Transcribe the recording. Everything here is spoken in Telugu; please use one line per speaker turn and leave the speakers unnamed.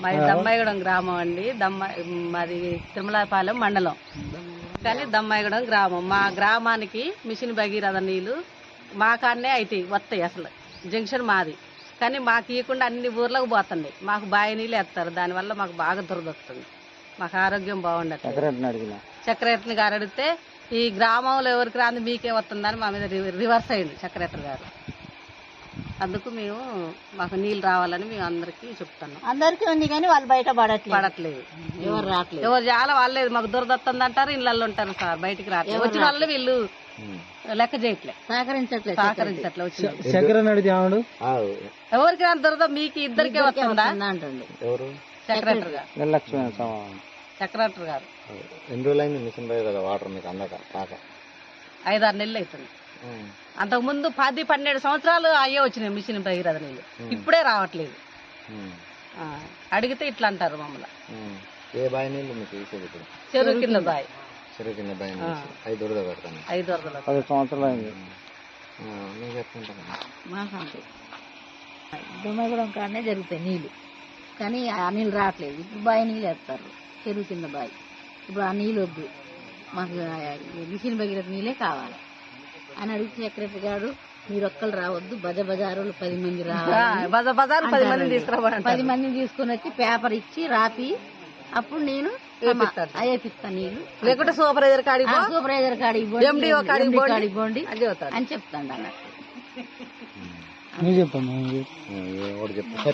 మాది దమ్మాయిగూడెం గ్రామం అండి. మాది తిరుమలాపాలెం మండలం, కానీ దమ్మాయిగూడెం గ్రామం. మా గ్రామానికి మిషన్ భగీరథ నీళ్లు మా కాడనే అవుతాయి, వస్తాయి. అసలు జంక్షన్ మాది, కానీ మాకు ఇవ్వకుండా అన్ని ఊర్లకు పోతుంది. మాకు బావి నీళ్ళు వేస్తారు, దానివల్ల మాకు బాగా దురదొస్తుంది. మాకు ఆరోగ్యం బాగుండదు. సెక్రటరీ గారు అడిగితే ఈ గ్రామంలో ఎవరికి రాంది మీకే వస్తుందని మా మీద రివర్స్ అయింది సెక్రటరీ గారు. అందుకు మేము మాకు నీళ్ళు రావాలని మేము అందరికి చెప్తున్నాం.
అందరికీ ఉంది కానీ వాళ్ళు బయట
పడట్లేదు,
ఎవరు రావట్లేదు.
ఎవరు చాలా వాళ్ళలేదు. మాకు దురదొస్తుంది అంటారు, ఇళ్ళల్లో ఉంటారు సార్, బయటికి రావట్లేదు. వచ్చిన వాళ్ళు వీళ్ళు లెక్క చేయట్లేదు, సహకరించట్లేదు. ఎవరికి రాని దురద మీకు ఇద్దరికే వస్తుందా
అంటుంది
సెక్రటరీ గారు. సెక్రటరీ గారు
ఎన్ని రోజులైంది మిషన్ పోయి కదా వాటర్ మీకు అందక
5-6 నెలలు అవుతుంది. అంతకు ముందు 10-12 సంవత్సరాలు అయ్యే వచ్చినాయి మిషన్ భగీరథ నీళ్ళు, ఇప్పుడే రావట్లేదు. అడిగితే ఇట్లా అంటారు మమ్మల్ని.
ఏ బావి నీళ్ళు మీకు ఇచ్చేది ఇప్పుడు?
చెరువు కింద బావి.
చెరువు కింద బావి 5 వరద పెడతాను.
5 వరదలు
10 సంవత్సరాలు అయింది. నేను చెప్పుకుంటాను
మాకంటే దుమ్మగూడెం కాడనే జరుగుతాయి నీళ్లు, కానీ ఆ నీళ్ళు రావట్లేదు. ఇప్పుడు బావి నీళ్ళు వేస్తారు, చెరువు కింద బావి. ఇప్పుడు ఆ నీళ్ళు వద్దు, మాకు మిషన్ భగీరథ నీళ్ళే కావాలి అని అడిగితే సెక్రటరీ గారు మీరు ఒక్కరు రావద్దు, బజారులు 10 మంది రావాలి, 10 మందిని తీసుకుని వచ్చి పేపర్ ఇచ్చి రాపి అప్పుడు నేను వేపిస్తాను నీళ్లు.
లేకుంటే సూపర్వైజర్
కాడికి పోండి అని చెప్తాను అన్నట్టు.
చెప్పండి.